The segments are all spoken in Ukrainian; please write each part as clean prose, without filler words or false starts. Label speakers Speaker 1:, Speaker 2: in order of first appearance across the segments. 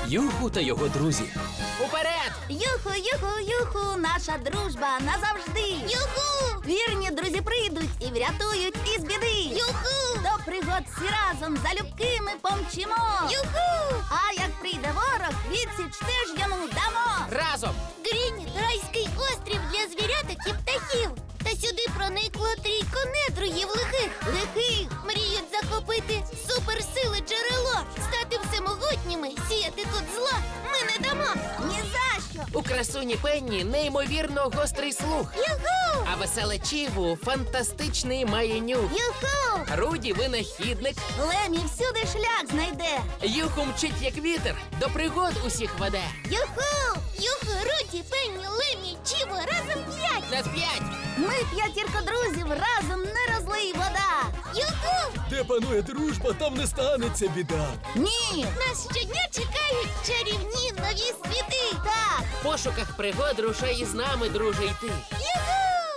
Speaker 1: Юху та його друзі. Уперед!
Speaker 2: Юху, юху, юху, наша дружба назавжди. Юху! Вірні друзі прийдуть і врятують із біди. Юху! До пригод всі разом залюбки ми помчимо. Юху! А як прийде ворог, відсіч теж йому дамо.
Speaker 1: Разом!
Speaker 3: Грініт – райський острів для звіряток і птахів. Та сюди проникло трійко недругів лихих.
Speaker 2: Лихих!
Speaker 3: Мріють захопити суперсили джерело, стати всемогутніми, сіяти тут зла ми не дамо.
Speaker 2: Ні за що!
Speaker 1: У красуні Пенні неймовірно гострий слух.
Speaker 3: Юху!
Speaker 1: А веселе Чіву фантастичний має нюх.
Speaker 2: Юху!
Speaker 1: Руді винахідник.
Speaker 2: Лемі всюди шлях знайде.
Speaker 1: Юху мчить як вітер, до пригод усіх веде.
Speaker 2: Юху!
Speaker 3: Юху, Руді, Пенні, Лемі, Чіво, разом 5!
Speaker 1: Нас 5!
Speaker 2: Ми п'ятірка друзів, разом не розлий вода.
Speaker 3: Юху!
Speaker 4: Де панує дружба, там не станеться біда.
Speaker 2: Ні!
Speaker 3: Нас щодня чекають чарівні нові світи!
Speaker 2: Так!
Speaker 1: В пошуках пригод рушай із нами, друже, йти.
Speaker 3: Юху!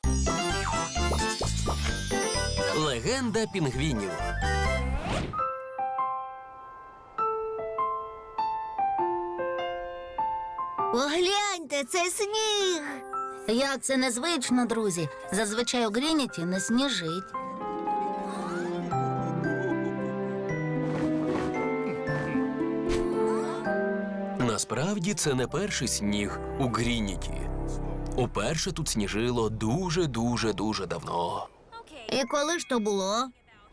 Speaker 1: Легенда пінгвінів.
Speaker 2: Погляньте, це сніг! Як це незвично, друзі. Зазвичай у Грініті не сніжить.
Speaker 4: Насправді це не перший сніг у Грініті. Уперше тут сніжило дуже давно.
Speaker 2: І коли ж то було?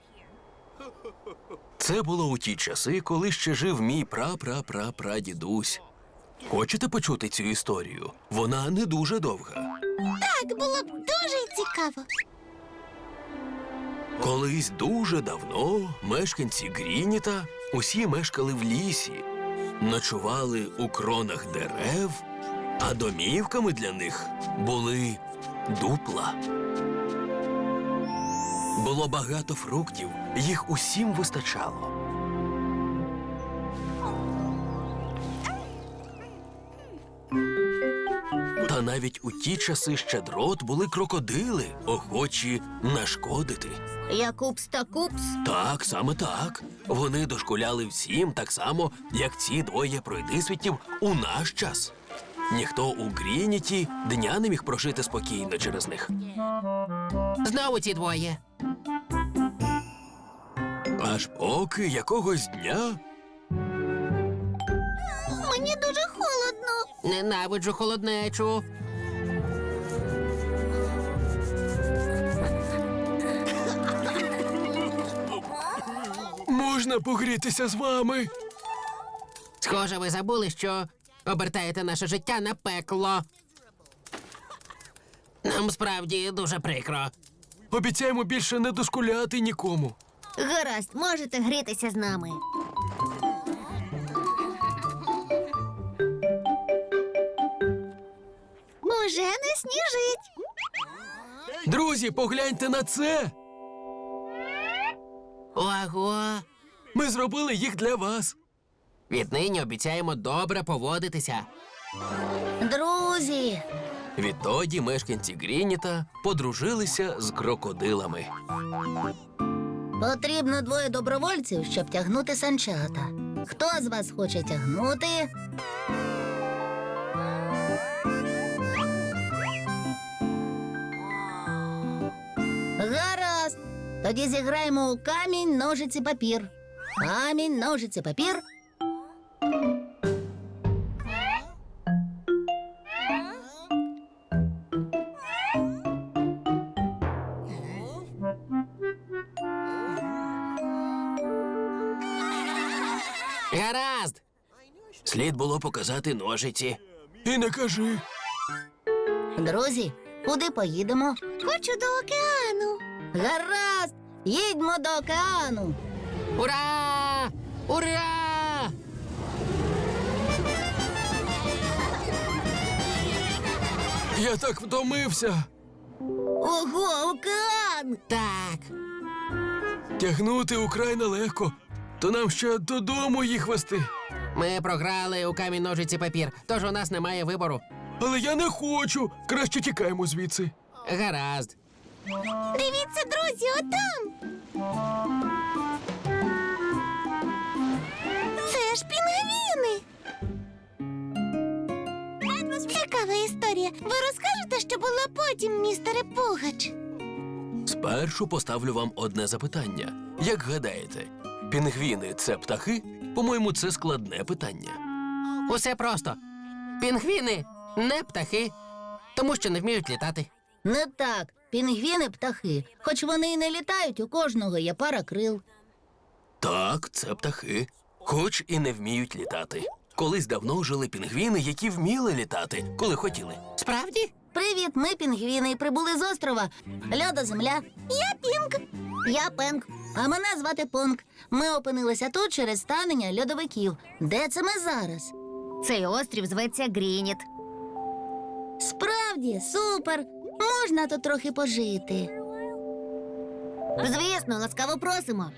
Speaker 4: Це було у ті часи, коли ще жив мій прадідусь. Хочете почути цю історію? Вона не дуже довга.
Speaker 3: Так, було б дуже цікаво.
Speaker 4: Колись дуже давно мешканці Грініта усі мешкали в лісі, ночували у кронах дерев, а домівками для них були дупла. Було багато фруктів, їх усім вистачало. Та навіть у ті часи щедрот були крокодили, охочі нашкодити.
Speaker 2: Якупс та Купс.
Speaker 4: Так, саме так. Вони дошкуляли всім так само, як ці двоє пройдисвітів у наш час. Ніхто у Грініті дня не міг прожити спокійно через них.
Speaker 1: Знову ці двоє.
Speaker 4: Аж поки якогось дня
Speaker 3: Мені дуже холодно.
Speaker 1: Ненавиджу холоднечу.
Speaker 4: можна погрітися з вами.
Speaker 1: Схоже, ви забули, що обертаєте наше життя на пекло. Нам справді дуже прикро.
Speaker 4: Обіцяємо більше не дошкуляти нікому.
Speaker 3: Гаразд, можете грітися з нами. Уже не сніжить.
Speaker 4: Друзі, погляньте на це.
Speaker 1: Ого!
Speaker 4: Ми зробили їх для вас.
Speaker 1: Віднині обіцяємо добре поводитися.
Speaker 2: Друзі,
Speaker 4: Відтоді мешканці Грініта подружилися з крокодилами.
Speaker 2: потрібно 2 добровольців, щоб тягнути санчата. Хто з вас хоче тягнути? Гаразд. Тоді зіграємо у камінь, ножиці, папір. Камінь, ножиці, папір.
Speaker 1: Гаразд!
Speaker 4: Слід було показати ножиці. І не кажи.
Speaker 2: Друзі, куди поїдемо?
Speaker 3: Хочу до океану.
Speaker 2: Гаразд! Їдьмо до океану.
Speaker 1: Ура! Ура!
Speaker 4: Я так втомився.
Speaker 2: Ого, океан!
Speaker 1: Так.
Speaker 4: Тягнути украй нелегко. То нам ще додому їх вести.
Speaker 1: Ми програли у камінь, ножиці, папір, тож у нас немає вибору.
Speaker 4: Але я не хочу. Краще тікаємо звідси.
Speaker 1: Гаразд.
Speaker 3: Дивіться, друзі, отам. Це ж пінгвіни. потім, містере Пугач.
Speaker 4: Спершу поставлю вам одне запитання. Як гадаєте, пінгвіни – це птахи? По-моєму, це складне питання.
Speaker 1: Усе просто. Пінгвіни не птахи, тому що не вміють літати.
Speaker 2: Не так. Пінгвіни птахи. Хоч вони і не літають, у кожного є пара крил.
Speaker 4: Так, це птахи, хоч і не вміють літати. Колись давно жили пінгвіни, які вміли літати, коли хотіли.
Speaker 1: Справді?
Speaker 2: Привіт, ми пінгвіни і прибули з острова. Льодоземля.
Speaker 3: Я Пінк.
Speaker 2: Я Пенк. А мене звати Понк. Ми опинилися тут через станення льодовиків. Де це ми зараз?
Speaker 3: Цей острів зветься Грініт.
Speaker 2: Справді, супер! Можна тут трохи пожити.
Speaker 3: Звісно, ласкаво просимо.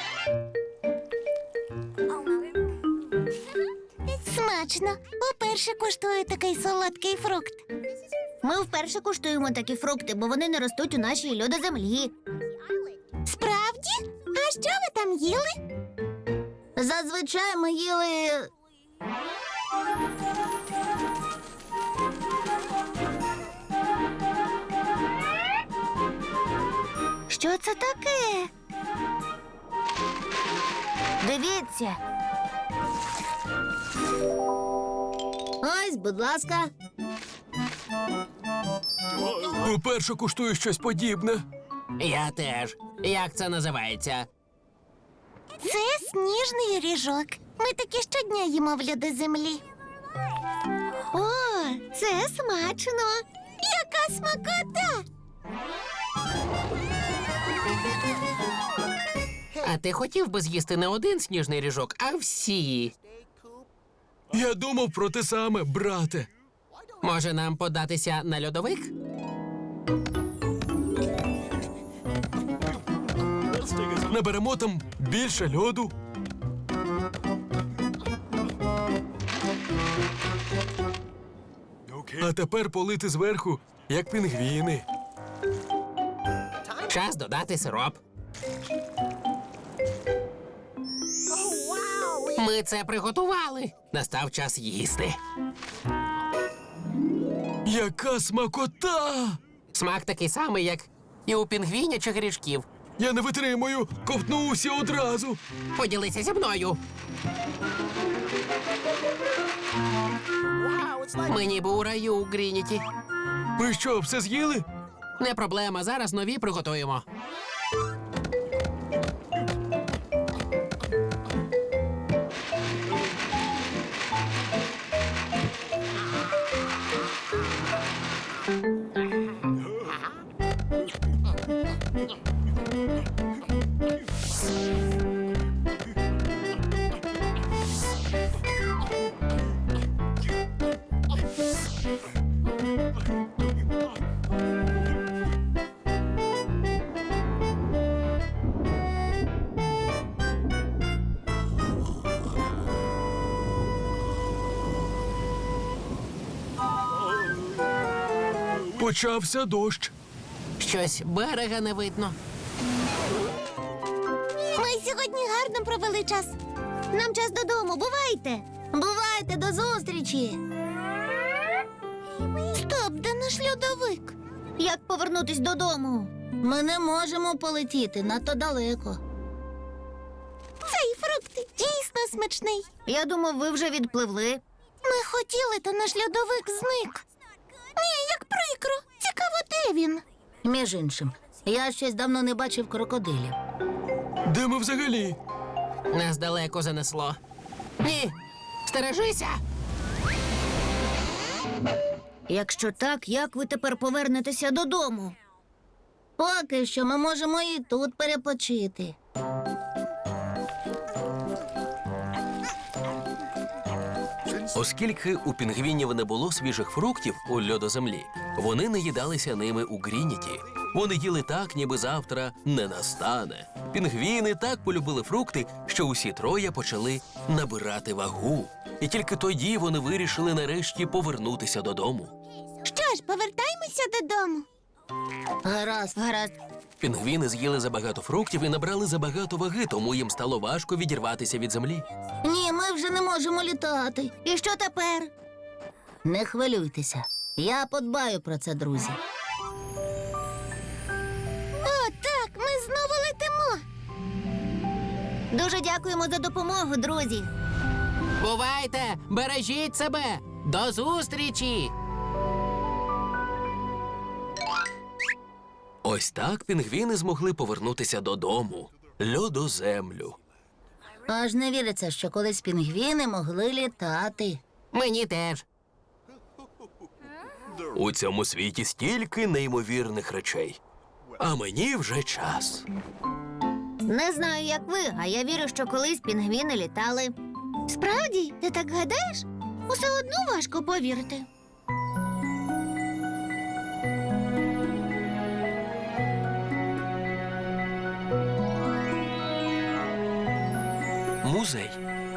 Speaker 3: Смачно. Уперше куштую такий солодкий фрукт. Ми вперше куштуємо такі фрукти, бо вони не ростуть у нашій льодоземлі. Справді? А що ви там їли?
Speaker 2: Зазвичай ми їли.
Speaker 3: Що це таке? Дивіться.
Speaker 2: Ось, будь ласка.
Speaker 4: Уперше куштую щось подібне.
Speaker 1: Я теж. Як це називається?
Speaker 3: Це сніжний ріжок. Ми такі щодня їмо в льодоземлі. О, це смачно. Яка смакота!
Speaker 1: А ти хотів би з'їсти не один сніжний ріжок, а всі.
Speaker 4: Я думав про те саме, брате.
Speaker 1: Може, нам податися на льодовик?
Speaker 4: Наберемо там більше льоду. А тепер полити зверху, як пінгвіни.
Speaker 1: Час додати сироп. Ми це приготували. Настав час їсти.
Speaker 4: Яка смакота!
Speaker 1: Смак такий самий, як і у пінгвінячих грішків.
Speaker 4: Я не витримую, ковтнувся одразу.
Speaker 1: Поділися зі мною. Ми ніби у раю у Грініті.
Speaker 4: Ви що, все з'їли?
Speaker 1: Не проблема, зараз нові приготуємо.
Speaker 4: Почався дощ.
Speaker 1: Щось берега не видно.
Speaker 3: Ми сьогодні гарно провели час. Нам час додому, бувайте.
Speaker 2: Бувайте, до зустрічі!
Speaker 3: Стоп, де наш льодовик? Як повернутись додому?
Speaker 2: Ми не можемо полетіти надто далеко.
Speaker 3: Цей фрукт дійсно смачний. Я думав, ви вже відпливли. Ми хотіли, та наш льодовик зник. Ні, як прикро. Цікаво, де він?
Speaker 2: Між іншим, я щось давно не бачив крокодилів.
Speaker 4: Де ми взагалі?
Speaker 1: Нас далеко занесло. Ні, стережися!
Speaker 3: Якщо так, як ви тепер повернетеся додому?
Speaker 2: Поки що ми можемо і тут перепочити.
Speaker 4: Оскільки у пінгвінів не було свіжих фруктів у льодоземлі, вони не їдалися ними у Грініті. Вони їли так, ніби завтра не настане. Пінгвіни так полюбили фрукти, що усі троє почали набирати вагу. І тільки тоді вони вирішили нарешті повернутися додому.
Speaker 3: Що ж, повертаймося додому.
Speaker 2: Гаразд.
Speaker 3: Гаразд.
Speaker 4: Пінгвіни з'їли забагато фруктів і набрали забагато ваги, тому їм стало важко відірватися від землі.
Speaker 2: Ні, ми вже не можемо літати.
Speaker 3: І що тепер?
Speaker 2: Не хвилюйтеся. Я подбаю про це, друзі.
Speaker 3: Дуже дякуємо за допомогу, друзі.
Speaker 1: Бувайте! Бережіть себе! До зустрічі!
Speaker 4: Ось так пінгвіни змогли повернутися додому, льодоземлю.
Speaker 2: Аж не віриться, що колись пінгвіни могли літати.
Speaker 1: Мені теж.
Speaker 4: У цьому світі стільки неймовірних речей. А мені вже час.
Speaker 3: Не знаю, як ви, а я вірю, що колись пінгвіни літали. Справді, ти так гадаєш? Усе одно важко повірити.
Speaker 4: Музей.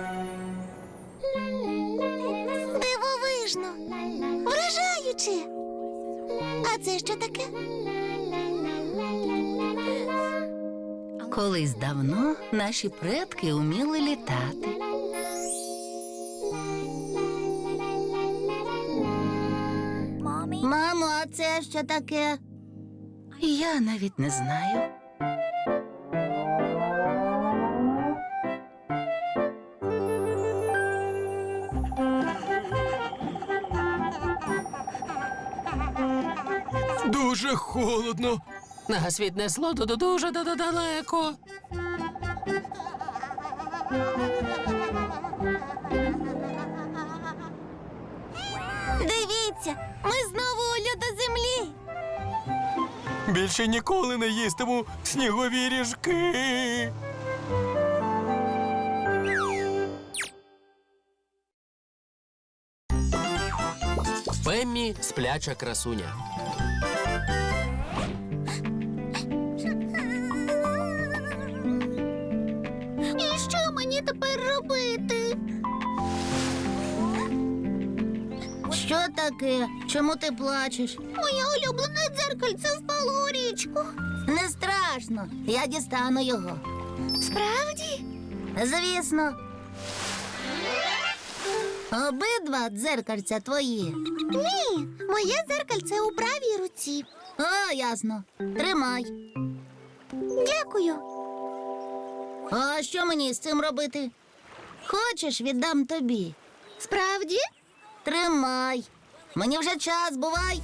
Speaker 3: Дивовижно, вражаюче. А це що таке?
Speaker 2: Колись давно наші предки уміли літати. Мамо, а це що таке? Я навіть не знаю.
Speaker 4: Дуже холодно.
Speaker 1: Нас віднесло дуже далеко.
Speaker 3: Дивіться, ми знову у льодоземлі.
Speaker 4: Більше ніколи не їстиму снігові ріжки.
Speaker 1: Пеммі – спляча красуня.
Speaker 3: І що мені тепер робити?
Speaker 2: Що таке? Чому ти плачеш?
Speaker 3: Моє улюблене дзеркальце впало у річку.
Speaker 2: Не страшно, я дістану його.
Speaker 3: Справді?
Speaker 2: Звісно. Обидва дзеркальця твої.
Speaker 3: Ні, моє дзеркальце у правій руці.
Speaker 2: О, ясно. Тримай.
Speaker 3: Дякую.
Speaker 2: А що мені з цим робити? Хочеш, віддам тобі.
Speaker 3: Справді?
Speaker 2: Тримай. Мені вже час, бувай.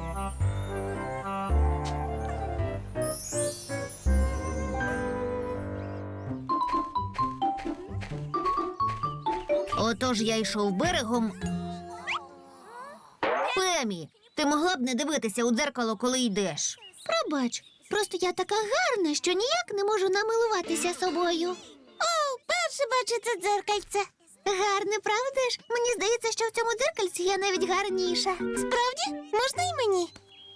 Speaker 3: Отож я йшов берегом. Пемі, ти могла б не дивитися у дзеркало, коли йдеш. Пробач, просто я така гарна, що ніяк не можу намилуватися собою. О, перше бачу це дзеркальце. Гарне, правда ж? Мені здається, що в цьому дзеркальці я навіть гарніша. Справді? Можна й мені?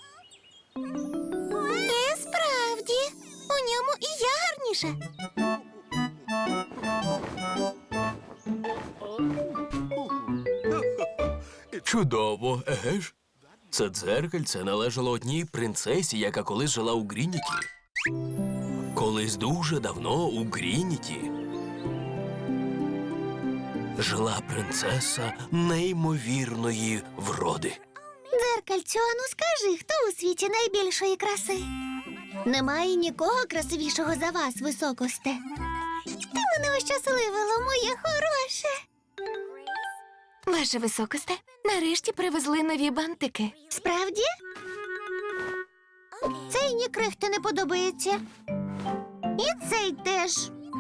Speaker 3: Справді. У ньому і я гарніша.
Speaker 4: Чудово, еге ж? Це дзеркальце належало одній принцесі, яка колись жила у Грініті. Колись дуже давно у Грініті жила принцеса неймовірної вроди.
Speaker 3: Дзеркальцю, ану скажи, хто у світі найбільшої краси? Немає нікого красивішого за вас, високосте. Ти мене ощасливило, моє хороше.
Speaker 5: Ваше високосте, нарешті привезли нові бантики.
Speaker 3: Справді? Цей ні крихти не подобається. І цей теж.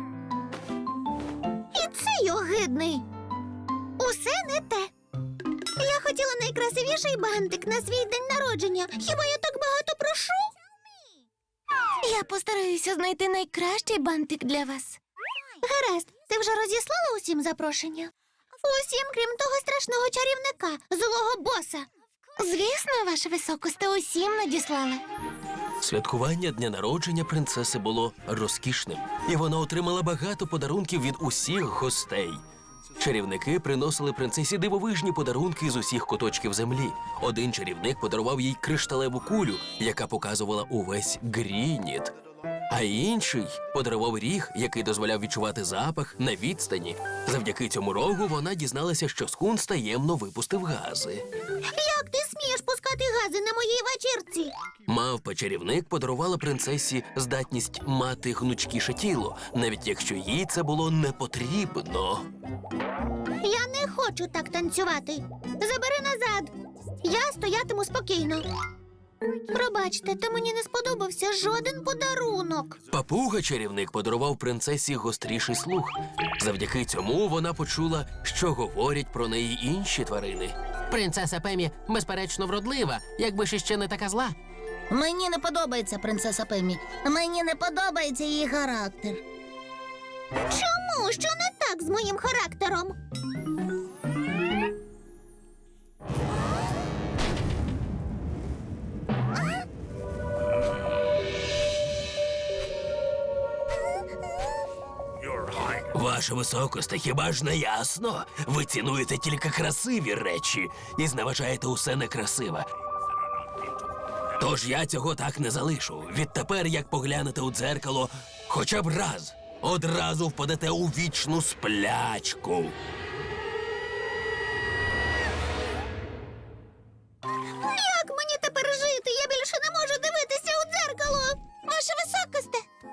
Speaker 3: І цей огидний. Усе не те. Я хотіла найкрасивіший бантик на свій день народження. Хіба я так багато прошу?
Speaker 5: Я постараюся знайти найкращий бантик для вас.
Speaker 3: Гаразд, ти вже розіслала усім запрошення? Усім, крім того страшного чарівника, злого боса.
Speaker 5: Звісно, ваше високосте, усім надіслали.
Speaker 4: Святкування дня народження принцеси було розкішним, і вона отримала багато подарунків від усіх гостей. Чарівники приносили принцесі дивовижні подарунки з усіх куточків землі. Один чарівник подарував їй кришталеву кулю, яка показувала увесь Грініт. А інший подарував ріг, який дозволяв відчувати запах на відстані. Завдяки цьому рогу вона дізналася, що скунс таємно випустив гази.
Speaker 3: Як ти смієш пускати прикази на моїй вечірці.
Speaker 4: Мавпа-чарівник подарувала принцесі здатність мати гнучкіше тіло, навіть якщо їй це було не потрібно.
Speaker 3: Я не хочу так танцювати. Забери назад. Я стоятиму спокійно. Пробачте, та мені не сподобався жоден подарунок.
Speaker 4: Папуга-чарівник подарував принцесі гостріший слух. Завдяки цьому вона почула, що говорять про неї інші тварини.
Speaker 1: Принцеса Пемі, безперечно, вродлива, якби ж іще не така зла.
Speaker 2: Мені не подобається принцеса Пемі. Мені не подобається її характер.
Speaker 3: Чому? Що не так з моїм характером?
Speaker 4: Ваше високосте, хіба ж не ясно? Ви цінуєте тільки красиві речі і зневажаєте усе некрасиве. Тож я цього так не залишу. Відтепер, як поглянете у дзеркало, хоча б раз, одразу впадете у вічну сплячку.
Speaker 3: Як мені тепер жити? Я більше не можу дивитися у дзеркало. Ваше високосте.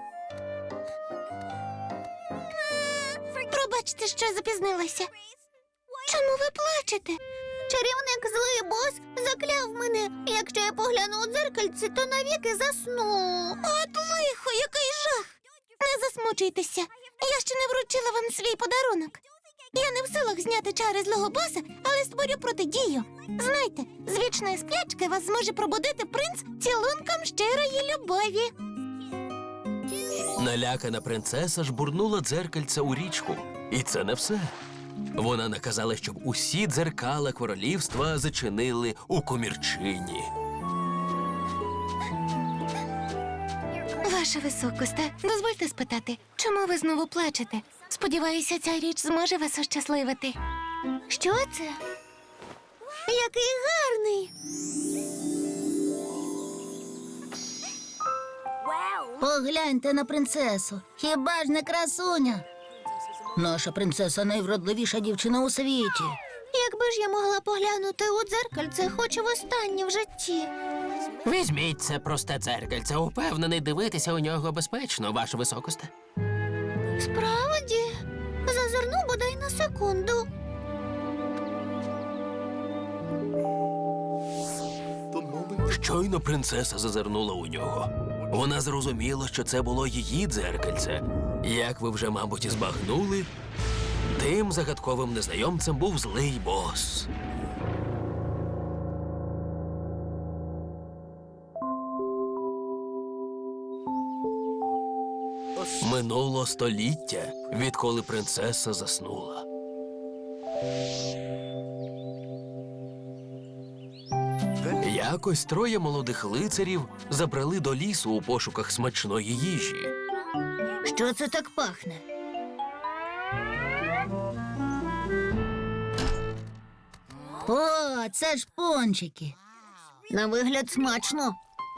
Speaker 3: Пробачте, що запізнилася. Чому ви плачете? Чарівник злий бос закляв мене. Якщо я погляну у дзеркальце, то навіки засну. От лихо, який жах! Не засмучуйтеся. Я ще не вручила вам свій подарунок. Я не в силах зняти чари злого боса, але створю протидію. Знайте, з вічної сплячки вас зможе пробудити принц цілунком щирої любові.
Speaker 4: Налякана принцеса жбурнула дзеркальце у річку. І це не все. Вона наказала, щоб усі дзеркала королівства зачинили у комірчині.
Speaker 5: Ваша високосте, дозвольте спитати, чому ви знову плачете? Сподіваюся, ця річ зможе вас ощасливити.
Speaker 3: Що це? Який гарний!
Speaker 2: Погляньте на принцесу. Хіба ж не красуня? Наша принцеса найвродливіша дівчина у світі.
Speaker 3: Якби ж я могла поглянути у дзеркальце, хоч востаннє в житті.
Speaker 1: Візьміть це просте дзеркальце, упевнений, дивитися у нього безпечно, ваше високосте.
Speaker 3: Справді, зазирну бодай на секунду.
Speaker 4: Щойно принцеса зазирнула у нього. Вона зрозуміла, що це було її дзеркальце. Як ви вже, мабуть, і збагнули, тим загадковим незнайомцем був злий бос. Минуло століття, відколи принцеса заснула. Якось троє молодих лицарів забрали до лісу у пошуках смачної їжі.
Speaker 2: Що це так пахне? О, це ж пончики. На вигляд смачно.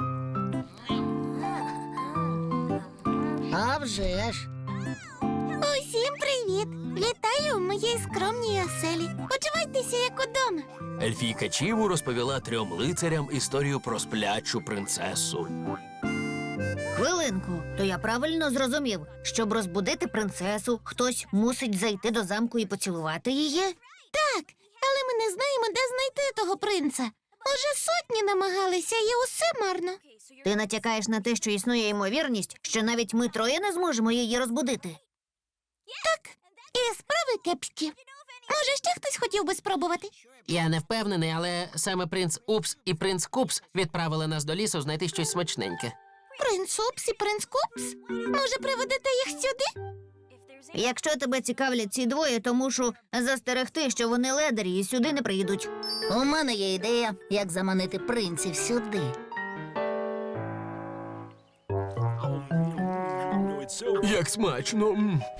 Speaker 2: А вже ж.
Speaker 3: Усім привіт! Вітаю в моїй скромній оселі. Почувайтеся, як удома.
Speaker 4: Ельфійка Чіву розповіла трьом лицарям історію про сплячу принцесу.
Speaker 2: Хвилинку, то я правильно зрозумів, щоб розбудити принцесу, хтось мусить зайти до замку і поцілувати її?
Speaker 3: Так, але ми не знаємо, де знайти того принца. Уже сотні намагалися, і усе марно.
Speaker 2: Ти натякаєш на те, що існує ймовірність, що навіть ми троє не зможемо її розбудити.
Speaker 3: І справи кепські. Може, ще хтось хотів би спробувати?
Speaker 1: Я не впевнений, але саме принц Упс і принц Купс відправили нас до лісу знайти щось смачненьке.
Speaker 3: Принц Упс і принц Купс? Може, приведете їх сюди?
Speaker 2: Якщо тебе цікавлять ці двоє, то мушу застерегти, що вони ледарі і сюди не прийдуть. У мене є ідея, як заманити принців сюди.
Speaker 4: Як смачно!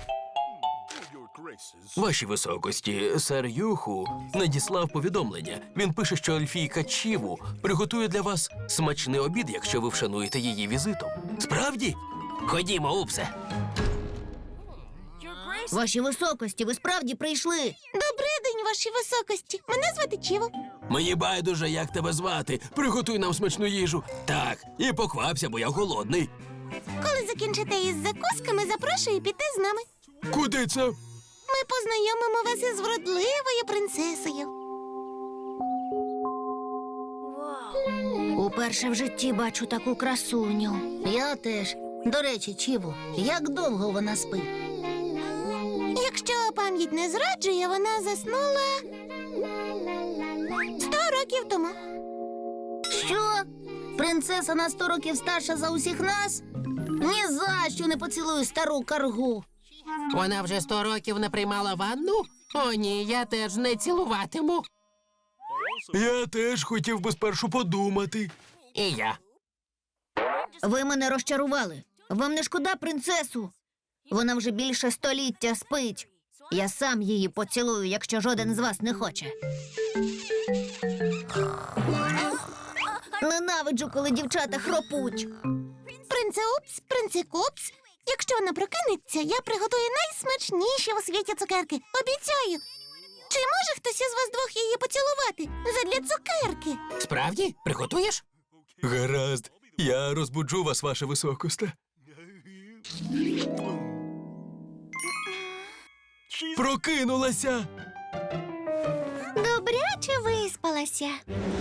Speaker 4: Ваші високості, сер Юху надіслав повідомлення. Він пише, що Ельфійка Чіву приготує для вас смачний обід, якщо ви вшануєте її візитом. Справді? Ходімо, Упсе.
Speaker 2: Ваші високості, ви справді прийшли.
Speaker 3: Добрий день, ваші високості. Мене звати Чіво.
Speaker 4: Мені байдуже, як тебе звати. Приготуй нам смачну їжу. Так, і поквапся, бо я голодний.
Speaker 3: Коли закінчите із закусками, запрошую піти з нами.
Speaker 4: Куди це?
Speaker 3: Ми познайомимо вас із вродливою принцесою. Уперше в житті бачу таку красуню.
Speaker 2: Я теж. До речі, Чіву, як довго вона спить?
Speaker 3: Якщо пам'ять не зраджує, вона заснула 100 років тому.
Speaker 2: Що? Принцеса на 100 років старша за усіх нас? Ні за що не поцілую стару каргу.
Speaker 1: Вона вже 100 років не приймала ванну? О, ні, я теж не цілуватиму.
Speaker 4: Я теж хотів би спершу подумати.
Speaker 1: І я.
Speaker 2: Ви мене розчарували. Вам не шкода принцесу? Вона вже більше століття спить. Я сам її поцілую, якщо жоден з вас не хоче. Ненавиджу, коли дівчата хропуть.
Speaker 3: Принце Купс, якщо вона прокинеться, я приготую найсмачніші у світі цукерки. Обіцяю. Чи може хтось із вас двох її поцілувати? Задля цукерки.
Speaker 1: Справді? Приготуєш?
Speaker 4: Гаразд, я розбуджу вас, ваше високосте. Прокинулася!
Speaker 3: Добряче виспалася.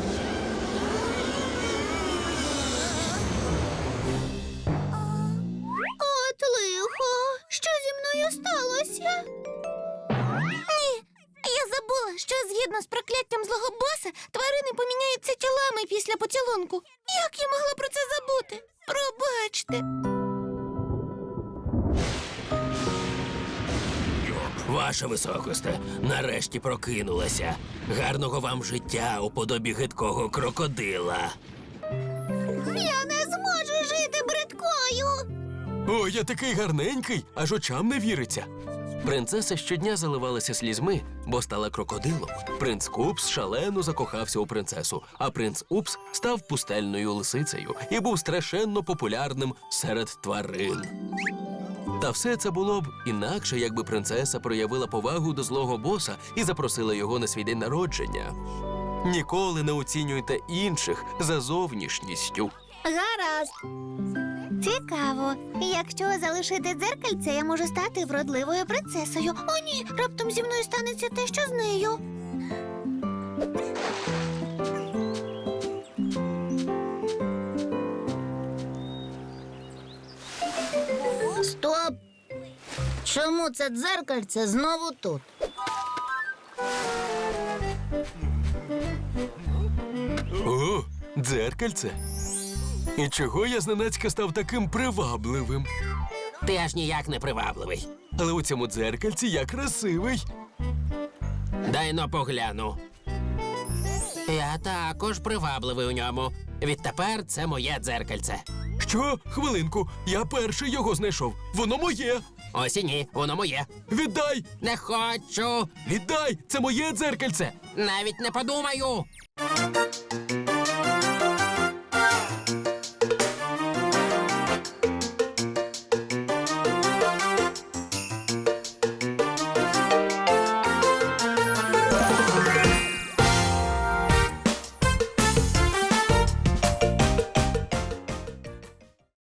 Speaker 2: От лихо, що зі мною сталося?
Speaker 3: Ні, я забула, що згідно з прокляттям злого боса тварини поміняються тілами після поцілунку. Як я могла про це забути? Пробачте.
Speaker 4: Ваше високосте, нарешті прокинулася. Гарного вам життя у подобі гидкого крокодила.
Speaker 3: Я не зможу жити бридкою.
Speaker 4: О, я такий гарненький, аж очам не віриться. Принцеса щодня заливалася слізьми, бо стала крокодилом. Принц Купс шалено закохався у принцесу, а принц Упс став пустельною лисицею і був страшенно популярним серед тварин. Та все це було б інакше, якби принцеса проявила повагу до злого боса і запросила його на свій день народження. Ніколи не оцінюйте інших за зовнішністю.
Speaker 3: Гаразд. Цікаво. Якщо залишити дзеркальце, я можу стати вродливою принцесою. О, ні, раптом зі мною станеться те, що з нею.
Speaker 2: Стоп! Чому це дзеркальце знову тут?
Speaker 4: О, дзеркальце. І чого я зненацька став таким привабливим?
Speaker 1: Ти аж ніяк не привабливий.
Speaker 4: Але у цьому дзеркальці я красивий.
Speaker 1: Дай но погляну. Я також привабливий у ньому. Відтепер це моє дзеркальце.
Speaker 4: Що? Хвилинку, я перший його знайшов. Воно моє.
Speaker 1: Ось і ні, воно моє.
Speaker 4: Віддай!
Speaker 1: Не хочу.
Speaker 4: Віддай! Це моє дзеркальце!
Speaker 1: Навіть не подумаю.